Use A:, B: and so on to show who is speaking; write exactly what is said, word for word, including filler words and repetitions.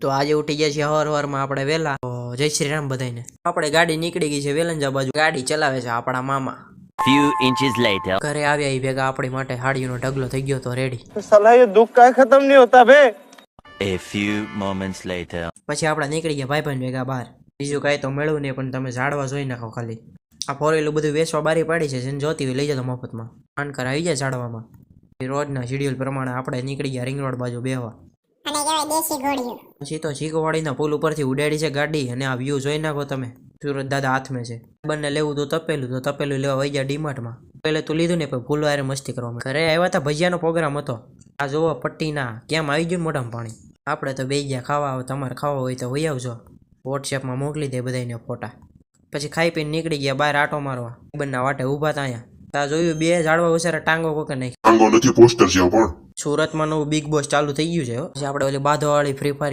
A: તો આજે ઉઠી ગયા છીએ હવાર હવારમાં આપણે વહેલા. તો જય શ્રી રામ બધાને. આપણે ગાડી નીકળી ગઈ છે વેલંજા બાજુ. ગાડી ચલાવે છે આપણા મામા.
B: Few inches later.
A: ઘરે આવ્યા એ ભેગા આપણી માટે હાડીનો ઢગલો થઈ ગયો તો રેડી.
C: साला ये दुख का खत्म नहीं होता बे.
B: A few moments later.
A: પછી આપણે નીકળી ગયા ભાઈ ભાઈ ભેગા બહાર. બીજું કાંઈ તો મળ્યું નહીં, પણ તમે ઝાડવા જોઈ નાખો ખાલી. આ ફોર વ્હીલર બધું વેચવા બારી પાડી છે, જેને જોતી હોય લઈ જતો મફતમાં. માનકર આવી જાય ઝાડવામાં. રોજના શેડ્યુલ પ્રમાણે આપણે નીકળી ગયા રિંગ રોડ બાજુ બેહવા.
D: અને કહેવાય દેશી ઘોડીઓ.
A: પછી તો ચીકોવાડીના પુલ ઉપરથી ઉડાડી છે ગાડી, અને આ વ્યૂ જોઈ નાખો તમે. સુરત દાદા હાથમાં છે. બંને લેવું તો તપેલું, તો તપેલું લેવા વહી ગયા ડીમાર્ટમાં. પહેલે તો લીધું ને, પણ ફૂલો હારે મસ્તી કરવામાં. ઘરે આવ્યા હતા, ભજીયાનો પ્રોગ્રામ હતો. આ જોવો પટ્ટીના કેમ આવી ગયું મોઢામાં પાણી. આપણે તો બે ગયા ખાવા. આવે તમારે ખાવા હોય તો વહી આવજો. વોટ્સએપમાં મોકલી દે બધાને ફોટા. પછી ખાઈ પીને નીકળી ગયા બહાર આટો મારવા. બંને વાટે ઊભા હતા અહીંયા. ત્યાં જોયું બે ઝાડવા ઉછેરા ટાંગો કોકે નહીં.
E: ટાંગો નથી, પોસ્ટર છે પણ.
A: સુરતમાં નવું બિગ બોસ ચાલુ થઈ ગયું છે. પછી આપણે ઓલી બાધો વાળી ફ્રી ફાયર